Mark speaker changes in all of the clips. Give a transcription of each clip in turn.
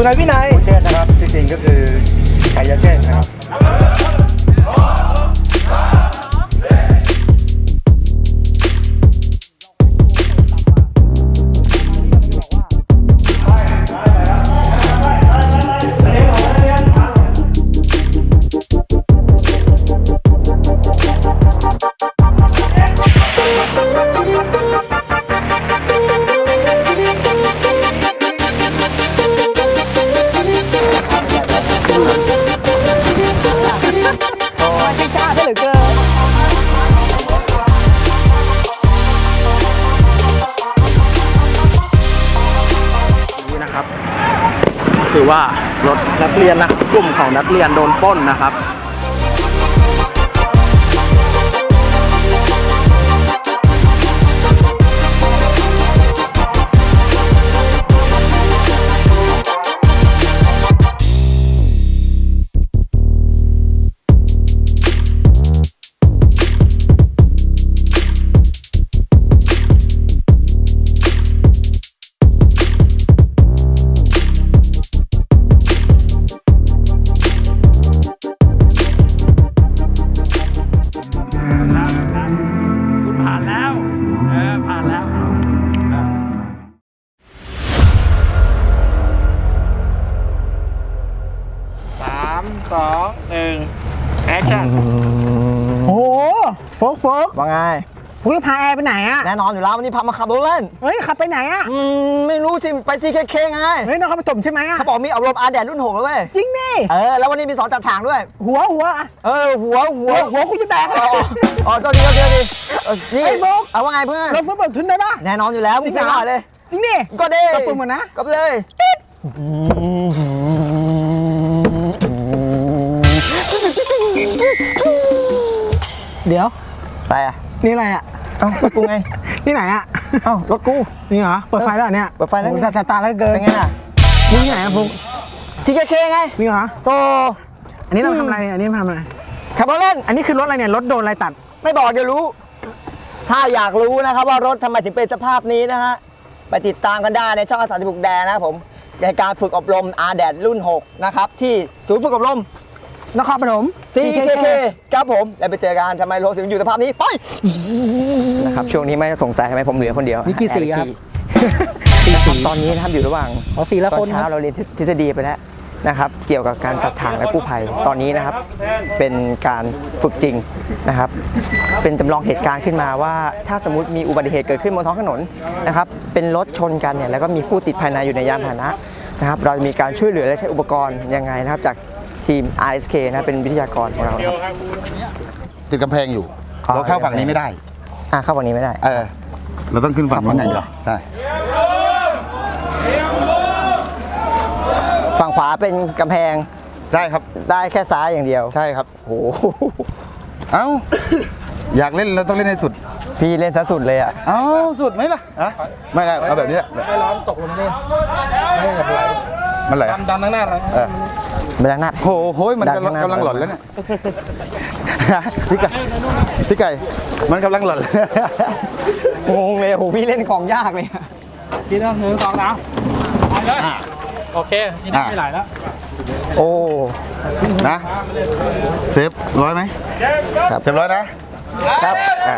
Speaker 1: ไงพี่นาย
Speaker 2: เชษนะครับที่จริงก็คือชัยเชษนะครับ
Speaker 1: คือว่ารถนักเรียนนะกลุ่มของนักเรียนโดนปล้นนะครับ
Speaker 2: แอคชั่น
Speaker 3: โอ้โฟก
Speaker 1: ว่าไง
Speaker 3: พวกนี้พาแอร์ไปไหนอะ
Speaker 1: แน่นอนอยู่แล้ววันนี้พามาขับรถเล่น
Speaker 3: เฮ้ยขับไปไหนอะ
Speaker 1: ไม่รู้สิไปCKKไง
Speaker 3: เฮ้ยน้องเขาไปถมใช่ไหมอะ
Speaker 1: เขาบอกมีอบรมอาแดดรุ่น6แล้วเว้ย
Speaker 3: จริงดิ
Speaker 1: แล้ววันนี้มีสอนจับทางด้วย
Speaker 3: หัว
Speaker 1: หัว
Speaker 3: คุณจะแตก
Speaker 1: อ๋อเจ้าดีนี่เอาว่าไงเพื่อน
Speaker 3: เราเปิดทุนได้ปะ
Speaker 1: แน่นอนอยู่แล้วมึงสั่งเลย
Speaker 3: จริงดิ
Speaker 1: ก็ได้
Speaker 3: ก็เปิดหมดนะ
Speaker 1: ก็เลย
Speaker 3: เดี๋ยว
Speaker 1: ไปอ่ะ
Speaker 3: นี่อะไรอ่ะ
Speaker 1: รถกูไง
Speaker 3: ที่ไหนอ่ะ
Speaker 1: รถกู
Speaker 3: นี่เหรอเปิดไฟแล้วเนี่ย
Speaker 1: เปิดไฟแล้ว
Speaker 3: ตาแล้วเกิน
Speaker 1: เป็นไงอ่ะ
Speaker 3: นี่ที่ไหนอ่ะฟุ๊ก
Speaker 1: CKKไง
Speaker 3: นี่เหรอ
Speaker 1: โต
Speaker 3: อันนี้เราทำอะไรอันนี้ทำอะไร
Speaker 1: ขับรถเล่น
Speaker 3: อันนี้คือรถอะไรเนี่ยรถโดนอะไรตัด
Speaker 1: ไม่บอกเดี๋ยวรู้ถ้าอยากรู้นะครับว่ารถทำไมถึงเป็นสภาพนี้นะฮะไปติดตามกันได้ในช่องอาสาที่บุกแดนะครับผมในการฝึกอบรมอาแดดรุ่น6นะครับที่ศูนย์ฝึกอบรม
Speaker 3: นครปฐม
Speaker 1: CKK ครับผมแล้วไปเจอกันทำไมรถถึงอยู่สภาพนี้ไปนะครับช่วงนี้ไม่สงสัยทำไมผมเหลือคนเดียว
Speaker 3: นี่กี่สีครับ
Speaker 1: ตอนนี้นะครับอยู่ระหว่างตอนเช้าเราเรียนทฤษฎีไปแล้วนะครับเกี่ยวกับการตัดทางและกู้ภัยตอนนี้นะครับเป็นการฝึกจริงนะครับเป็นจำลองเหตุการณ์ขึ้นมาว่าถ้าสมมุติมีอุบัติเหตุเกิดขึ้นบนท้องถนนนะครับเป็นรถชนกันเนี่ยแล้วก็มีผู้ติดภายในอยู่ในยานพาหนะนะครับเรามีการช่วยเหลือและใช้อุปกรณ์ยังไงนะครับจากทีม RSK นะเป็นวิทยากรของเรา
Speaker 4: ติดกำแพงอยู่เราเข้าฝั่งนี้ไม่ได้
Speaker 1: เข้าฝั่งนี้ไม่ได้
Speaker 4: เราต้องขึ้นฝั่งนู้นอย่างเดียวใช่
Speaker 1: ฝั่งขวาเป็นกำแพง
Speaker 4: ใช่ครับ
Speaker 1: ได้แค่ซ้ายอย่างเดียว
Speaker 4: ใช่ครับ
Speaker 1: โอ้
Speaker 4: อยากเล่นเราต้องเล่นให้สุด
Speaker 1: พี่เล่นซะสุดเลย
Speaker 4: สุดไหมล่ะไม่ได้เอาแบบนี้แหละ
Speaker 3: ไม่ร้อนตกลงมาเนี่ยไม่แบบไหล
Speaker 4: มันไหล
Speaker 3: ดันหน้าอะไร
Speaker 1: ไม่ดังหน้า
Speaker 4: โหมันกำลังหล่อนแล้วเนี่ยพี่ไก่มันกำลังหล่อน
Speaker 1: งงเลยพี่เล่นของยากเลย
Speaker 3: พี่ต้อง1 2นะไปเลยโอเคนี่ได้ไม่ไหลแล้ว
Speaker 4: นะเซฟ100ไหมครับเซฟ100นะครับ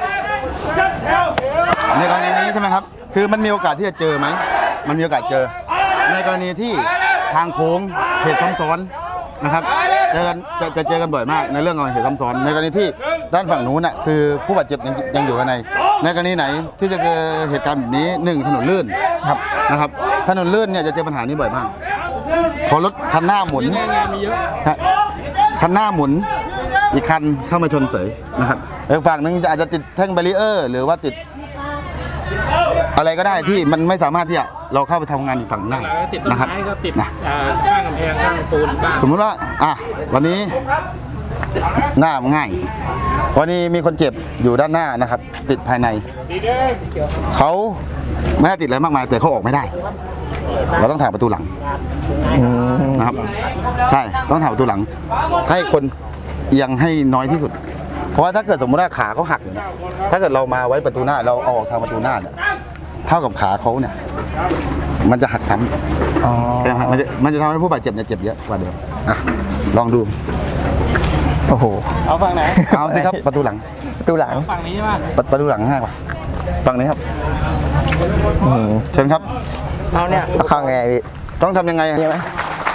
Speaker 4: ในกรณีนี้ใช่ไหมครับคือมันมีโอกาสที่จะเจอไหมมันมีโอกาสเจอในกรณีที่ทางโค้งเหตุซ้ำซ้อนนะครับจะเจอกันบ่อยมากในเรื่องของเหตุซ้ำซ้อนในกรณีที่ด้านฝั่งนู้นน่ะคือผู้บาดเจ็บยังอยู่ภายในกรณีไหนที่จะเกิดเหตุการณ์แบบนี้1ถนนลื่นครับนะครับถนนลื่นเนี่ยจะเจอปัญหานี้บ่อยมากพอรถคันหน้าหมุนคันหน้าหมุนอีกคันเข้ามาชนเสยนะครับอีกฝั่งนึงอาจจะติดแท่งแบรีเออร์หรือว่าติดอะไรก็ได้ที่มันไม่สามารถที่จะเราเข้าไปทำงานอีกฝั่งได้นะครับ
Speaker 3: ติดข้างกำแพงข้างปูนบ้าง
Speaker 4: สมมุติว่าวันนี้หน้ามันง่ายวันนี้มีคนเจ็บอยู่ด้านหน้านะครับติดภายในเขาไม่ได้ติดอะไรมากมายแต่เขาออกไม่ได้เราต้องถ่ายประตูหลังนะครับใช่ต้องถ่ายประตูหลังให้คนเอียงให้น้อยที่สุดเพราะว่าถ้าเกิดสมมติว่าขาเขาหักเนี่ยถ้าเกิดเรามาไว้ประตูหน้าเราเอาออกทางประตูหน้าเนี่ยเท่ากับขาเขาเนี่ยมันจะหักซ้
Speaker 1: อ๋อ
Speaker 4: ำมันจะทำให้ผู้บาดเจ็บเนี่ยเจ็บเยอะกว่าเดิมอ่ะลองดู
Speaker 1: โอ้โห
Speaker 3: เอาฝั่งไหน
Speaker 4: เอาสิครับประตูหลัง
Speaker 1: ประตูหลัง
Speaker 3: ฝั่งนี้ใช่ไหม
Speaker 4: ประตูหลังง่ายกว่าฝั่งนี้ครับ
Speaker 1: อืม
Speaker 4: เชิญครับ
Speaker 3: เอาเนี่ย
Speaker 1: เอาเข้าไงพี่
Speaker 4: ต้องทำยังไงอะ
Speaker 1: นี่ไหม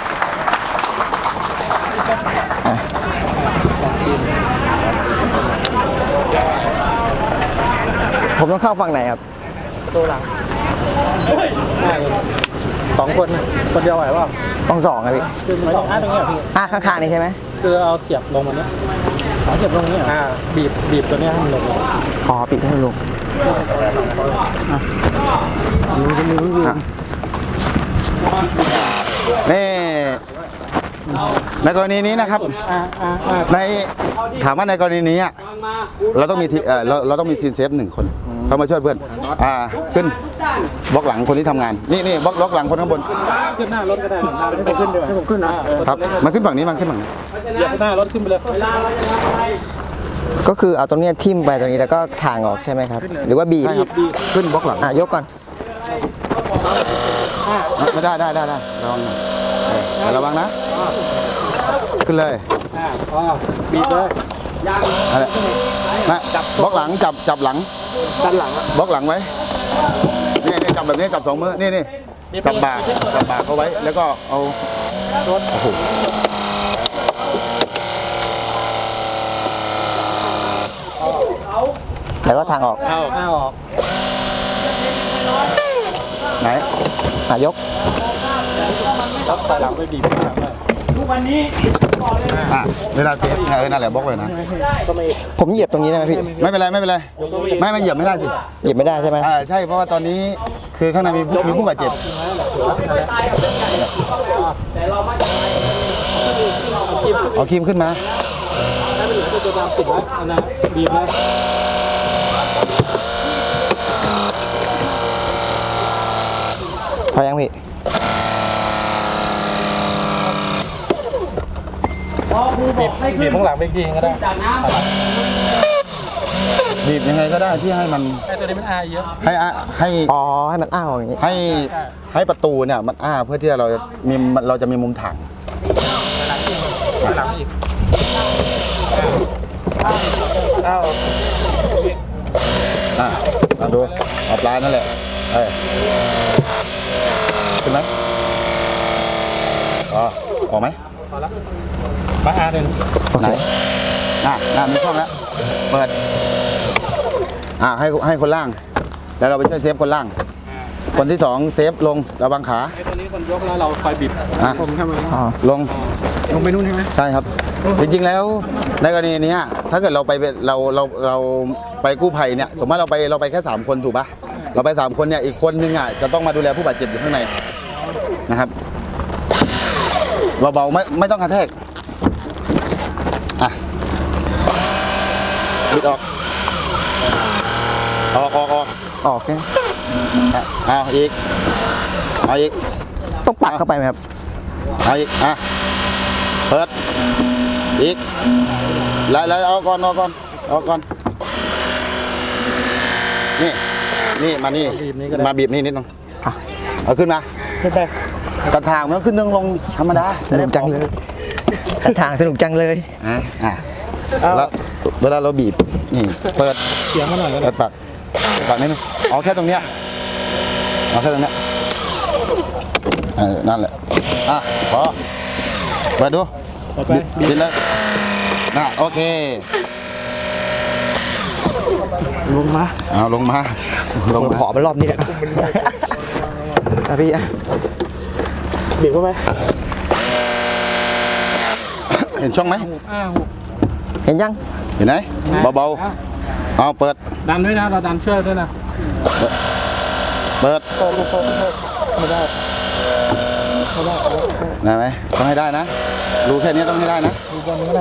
Speaker 1: ผมต้องเข้าฝั่งไหนครับ
Speaker 3: ตัวหลังได้สองคนนะคนเดียวไหวเปล่า
Speaker 1: ต้อง2ครับพี่
Speaker 3: คือไม่ต้องตรงนี้เหรอพี่
Speaker 1: ข้างๆนี่ใช่ไหม
Speaker 3: คือเอาเสียบลงมาเนี้ยเอาเสียบลงนี้เหรอบีบตัวเนี้ยให้มันลง
Speaker 1: อ๋อปิดให้ลง
Speaker 4: อ่ะนี่ในกรณีนี้นะครับ ในถามว่าในกรณีนี้อะเราต้องมีเราต้องมีซีนเซฟ1 คนเข้ามาช่วยเพื่อนขึ้นบล็อกหลังคนที่ทำงานนี่บล็อกหลังคนข้างบน
Speaker 3: ขึ้นหน้ารถก็ได้ให้ผมขึ้นด้วยให้ผมขึ้นนะครับ
Speaker 4: มาขึ้นฝั่งนี้มาขึ้นฝั่งนี้
Speaker 3: เหยียบหน้ารถขึ้นไปเลย
Speaker 1: ก็คือเอาตรงเนี้ยทิ่มไปตรงนี้แล้วก็ถางออกใช่ไหมครับ หรือว่าบีบ
Speaker 4: ใช่ครับขึ้นบล็อกหลัง
Speaker 1: ยกก่อน
Speaker 4: ไม่ได้ระวังหน่อยระวังนะขึ้นเลย
Speaker 3: บีบเลย
Speaker 4: อะไรนะบล็อกหลังจับหลัง
Speaker 3: ด้านหลัง
Speaker 4: บล็อกหลังไว้นี่จับแบบนี้จับ2 มือนี่จับบ่าเขาไว้แล้วก็เอาโอ้โห
Speaker 1: แล้วก็ทางออก
Speaker 3: เอาออก
Speaker 4: ไหน
Speaker 1: ยก
Speaker 3: แล้วถอยหลังไปบีบข้างหลังเลย
Speaker 4: เวลาเซฟนั่นแหละบล็อกไว้นะ
Speaker 1: ผมเหยียบตรงนี้ได้ไหมพี่
Speaker 4: ไม่เป็นไรไม่เหยียบไม่ได้สิ
Speaker 1: เหยียบไม่ได้ใช่ไหม
Speaker 4: ใช่เพราะว่าตอนนี้คือข้างในมีผู้บาดเจ็บเอาครีมขึ้นมา
Speaker 3: ตัวตามติดไว้อันนั้นบีบเลย
Speaker 1: พอยังพี่
Speaker 3: บีบข้างหลังไปจริงก็ได้
Speaker 4: บีบยังไงก็ได้ที่ให้มัน
Speaker 3: ไอ้ตัวนี้มันอายเยอะ
Speaker 4: ให้
Speaker 1: อ๋อให้มันอ้าวอย่างนี้
Speaker 4: ให้ประตูเนี่ยมันเพื่อที่เราจะมีมุมถ่าง
Speaker 3: หลังอีกเอา
Speaker 4: เอาดูเอาปลายนั่นแหละขึ้นไหมออกไหม
Speaker 3: มาหนึ่ง
Speaker 1: โอเค
Speaker 4: น่ามีช่องแล้วเปิดให้คนล่างแล้วเราไปช่วยเซฟคนล่าง คนที่2เซฟลงระวังขา
Speaker 3: ไอ้ตัวนี้คนยกแล้วเราคอยบีบผมทำไม
Speaker 4: ลง
Speaker 3: ไปนู่นใช่ไหม
Speaker 4: ใช่ครับจริงๆแล้วในกรณีนี้ถ้าเกิดเราไปกู้ภัยเนี่ยสมมติเราไปแค่3 คนถูกปะเราไป3 คนเนี่ยอีกคนนึงจะต้องมาดูแลผู้บาดเจ็บอยู่ข้างในนะครับเบาๆไม่ต้องกระแทกบิดออก
Speaker 1: แค่
Speaker 4: เอาอีก
Speaker 1: ต้องปักเข้าไปไหมครับ
Speaker 4: เอาอีกเปิดอีกแล้วเอาก่อนนี่มาบีบนี่นิดนึงเอาขึ้นมา
Speaker 3: ขึ้นไป
Speaker 4: กระถางมันขึ้นนึงลงธรรมดา
Speaker 1: สนุกจังเลยทางสนุกจังเลย
Speaker 4: แล้วเวลาเราบีบนี่เปิด
Speaker 3: เสียงมาหน่อย
Speaker 4: เปิดปากนิดนึงเอาแค่ตรงเนี้ยนั่นแหละพอเปิดดูบิดเลยโอเคลงมา
Speaker 1: ขอไปรอบนี้แหละพี่
Speaker 3: บีบเข้าไป
Speaker 4: เห็นช่องไหม
Speaker 1: เห็นยัง
Speaker 4: เห็นไหมเบาๆเอาเปิด
Speaker 3: ดันด้วยนะเราดันช่วยด้วยนะ
Speaker 4: เปิดได้ไหมต้องให้ได้นะรูแค่นี้ต้องให้ได้นะ
Speaker 3: ดูบนนี้ก็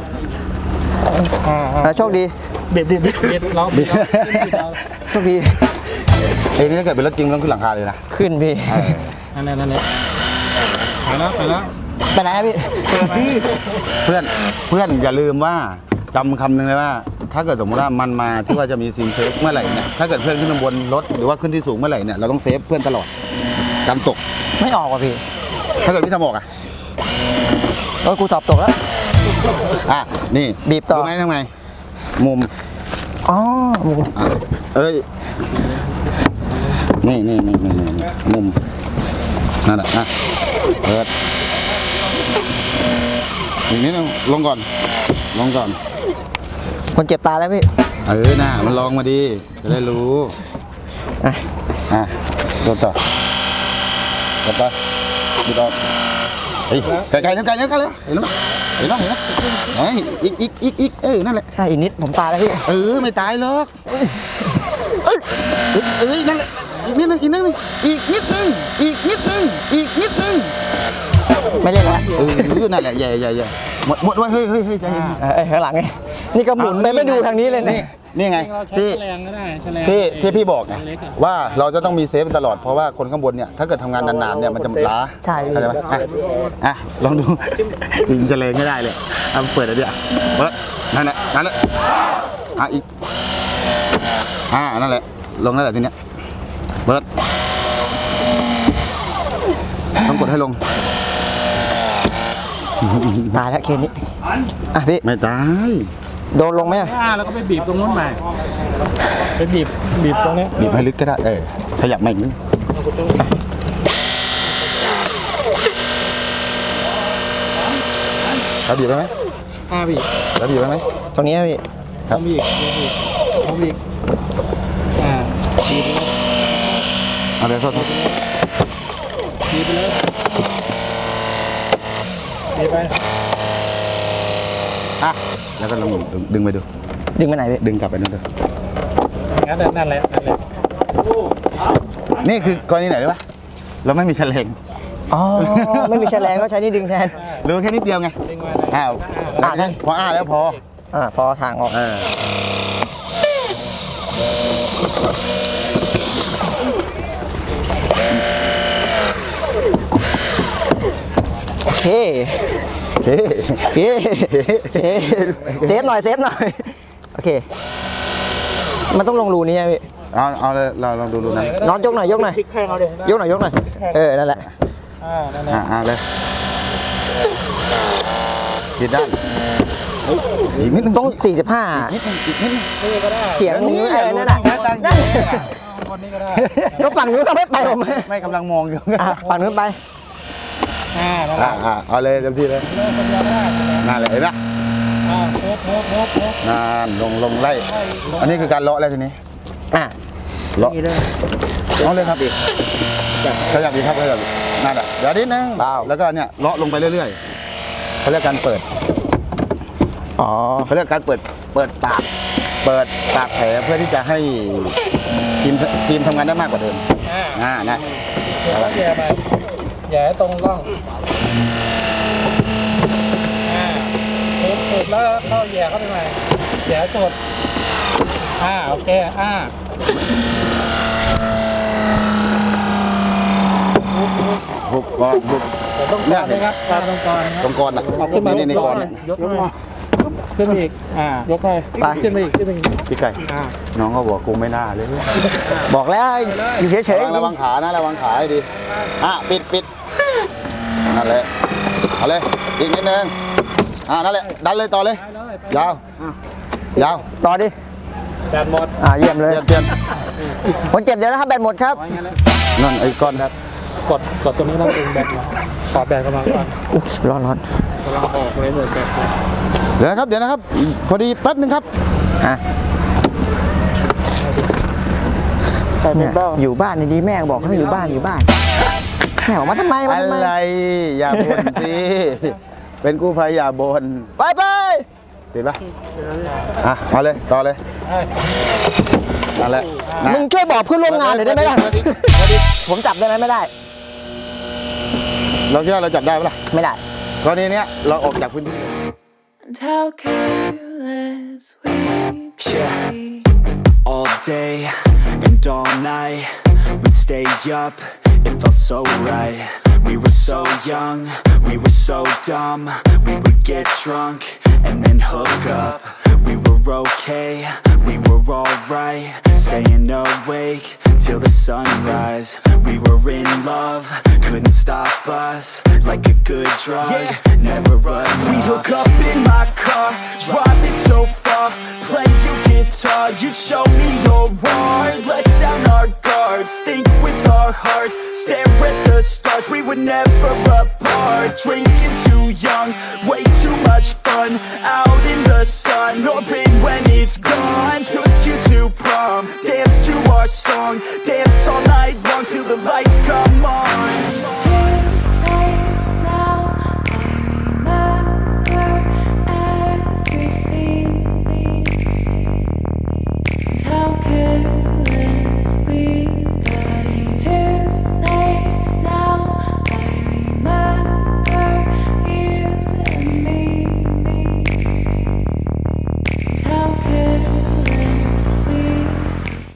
Speaker 3: ได้
Speaker 1: โชคดี
Speaker 3: บีบเราบีบ
Speaker 1: โชคดี
Speaker 4: นี่ถ้าเกิดเป็นรถจริงต้องขึ้นหลังคาเลยนะ
Speaker 3: น
Speaker 1: ขึ้นพี่
Speaker 3: ั่นไปแล้ว
Speaker 1: ไปไหนพี่
Speaker 4: เพื่อนอย่าลืมว่าจำคำหนึ่งเลยว่า ถ้าเกิดสมมติว่ามันมาที่ว่าจะมีซีนเซฟเมื่อไหร่เนี่ยถ้าเกิดเพื่อนขึ้นบนรถหรือว่าขึ้นที่สูงเมื่อไหร่เนี่ยเราต้องเซฟเพื่อนตลอดกันตก
Speaker 1: ไม่ออกว่ะพี่
Speaker 4: ถ้าเกิดพี่ทำออกอ่ะ
Speaker 1: กูสอบตกแล้ว
Speaker 4: อ่ะนี่
Speaker 1: บีบต่อ
Speaker 4: รู้ไหมทำไงมุม
Speaker 1: อ๋อ
Speaker 4: อ่ะเอ้ยนี่มุมนั่นแหละอ่ะเปิดอีกนิดนึงลงก่อน
Speaker 1: คนเจ็บตาแล้วพี่
Speaker 4: น่ะมันลองมาดีจะได้รู้
Speaker 1: อ่ะ
Speaker 4: โดนต่อดูต่อเฮ้ยไกลๆแล้วเห็นไหมเห็นไหมเฮ้ยอีกนั่นแหละ
Speaker 1: ใช่อีกนิดผมตายแล้วพี่
Speaker 4: ไม่ตายหรอกนั่นแหละอีกนิดนึง
Speaker 1: ไม่เล่นแล้ว
Speaker 4: นั่นแหละใหญ่หมดไว้เฮ้ยใจเย็น
Speaker 1: ข้างหลังไงนี่ก็หมุนไปไม่ดูทางนี้เลยนะ
Speaker 4: นี่ไง
Speaker 3: เราใช้
Speaker 4: ที่
Speaker 3: แฉลงก็ได้แฉลง
Speaker 4: ที่พี่บอกไงว่าเราจะต้องมีเซฟตลอดเพราะว่าคนข้างบนเนี่ยถ้าเกิดทำงานนานๆเนี่ยมันจะล้า
Speaker 1: ใช่
Speaker 4: เข้าใจไหมอ่ะลองดูดึงจะเลงไม่ได้เลยเอาเปิดอะไรเดี๋ยวเปิดนั่นแหละอีกนั่นแหละลงนั่นแหละทีเนี้ยเปิดต้องกดให้ลง
Speaker 1: ตายแล้วเคนนี้อ่ะพี่
Speaker 4: ไม่ตาย
Speaker 1: โดนลงไหมอ่ะ
Speaker 3: แล้วก็ไปบีบตรงนู้นมาไปบีบตรงนี้
Speaker 4: บีบให้ลึกก็ได้ขยับมาอีกนิดแล้วบีบไปไหม
Speaker 3: บีบ
Speaker 4: แล้วบีบไปไหม
Speaker 1: ตรงนี้พี่
Speaker 3: ต้องบีบบีบบีบ
Speaker 4: เอาเลยโทษ
Speaker 3: บีบไปเลยบีบไป
Speaker 4: แล้วก็ลองดึงไปดู
Speaker 1: ดึงไปไหนพี่
Speaker 4: ดึงกลับไปนู่นเลย
Speaker 3: นั่นแหละ
Speaker 4: นี่คือกรณีไหนรู้ป่ะเราไม่มีแฉลง
Speaker 1: อ๋อไม่มีแฉลงก็ใช้นี่ดึงแทน
Speaker 4: รู้แค่นิดเดียวไง
Speaker 3: ดึงไว้
Speaker 4: พอแล้วพอ
Speaker 1: พอทางออกโอเคเซฟหน่อยโอเคมันต้องลงรูนี้พี่
Speaker 4: เอาเลยเราลองดูนะ
Speaker 1: น็อตยกหน่อย
Speaker 3: พลิกแข้งเอาเดี๋ยวย
Speaker 1: กหน่อยนั่นแหละ
Speaker 3: นั่นแหละ
Speaker 4: เลยผิดด้านอีกนิดนึง
Speaker 1: ต้อง45
Speaker 3: นี่ก็ได้
Speaker 1: เฉียงมือนั่นน่ะ
Speaker 3: คนนี้ก็ได้
Speaker 1: ก็ฝั่งนู้นก็ไม่ไปผม
Speaker 4: ไม่กำลังมองอยู่
Speaker 1: ฝั่งนู้นไป
Speaker 3: นั่นแหละ
Speaker 4: เอาเลยเต็มที่เลย
Speaker 3: คนเดียวก็ได้
Speaker 4: นั่นเลยเห็นไหม
Speaker 3: โบ
Speaker 4: นั่นลงไล่อันนี้คือการเลาะแล้วทีนี้เลาะเอาเลยครับขยับอีกครับขยับนั่นแหละเดี๋ยวนิดนึงแล้วก็เนี่ยเลาะลงไปเรื่อยๆเขาเรียกการเปิดเขาเรียกการเปิดปากแผลเพื่อที่จะให้ทีมทำงานได้มากกว่าเดิมนะ
Speaker 3: แย่ตรงร่องสุดแล้วเข้าแย่เข้าไปใหม่แย่สุดโอเค
Speaker 4: บุก
Speaker 3: ต้องกรนะครับตรงกร
Speaker 4: อ่ะนี่กรเนี่ย
Speaker 3: ยกมาขึ้นอีกยกไปขึ้นไปอีก
Speaker 4: พี่ไก่น้องเขาบอกกูไม่น่าเลย
Speaker 1: บอกแล้วอยู่เฉยๆ
Speaker 4: ระวังขานะระวังขาให้ดีปิดนั่นแหละเอาเลยอีกนิดนึงนั่นแหละดันเลยต่อเลยยาว
Speaker 1: ต่อดิ
Speaker 3: แบตหมด
Speaker 1: เยี่ยมเลย
Speaker 4: เปลี่ยน
Speaker 1: คนเจ็บเดี๋ยวนะครับแบตหมดครับ
Speaker 4: นั่นไอ้ก้อนครับ
Speaker 3: กดตรงนี้แล้วดึงแบตขอแบตกำลังก่อน
Speaker 1: ร้อน
Speaker 3: กำลังออกเลยแบต
Speaker 4: เดี๋ยวนะครับพอดีแป๊บนึงครับ
Speaker 1: อยู่บ้านดีแม่บอกให้อยู่บ้านแม่บอกมาทำไม
Speaker 4: อะไรอย่าบ่นสิเป็นกู้ภัยอย่าบ่น
Speaker 1: ไป
Speaker 4: ติดปะเอาเลยต่อเลยนั่นแหละ
Speaker 1: มึงช่วยบอกเพื่อนร่วมงานหน่อยได้ไหมล่ะผมจับได้ไหมไม่ได้
Speaker 4: เราคิดว่าเราจับได้ปะล่ะ
Speaker 1: ไม่ได้
Speaker 4: กรณีนี้เราออกจากพื้นที่
Speaker 5: All day and all night we'd stay up, it felt so right. We were so young, we were so dumb. We would get drunk and then hook up. We were okay, we were alright. Staying awake till the sunrise. We were in love, couldn't stop us. Like a good drug, never enough. We hook up in my car, driving so far. Play you guitar, you'd show me your art. Let down our guards, think with our hearts. Stare at the stars, we were never apart. Drinking too young, way too much fun. Out in the sun, orbit when it's gone. Took you to prom, dance to our song. Dance all night long till the lights come on.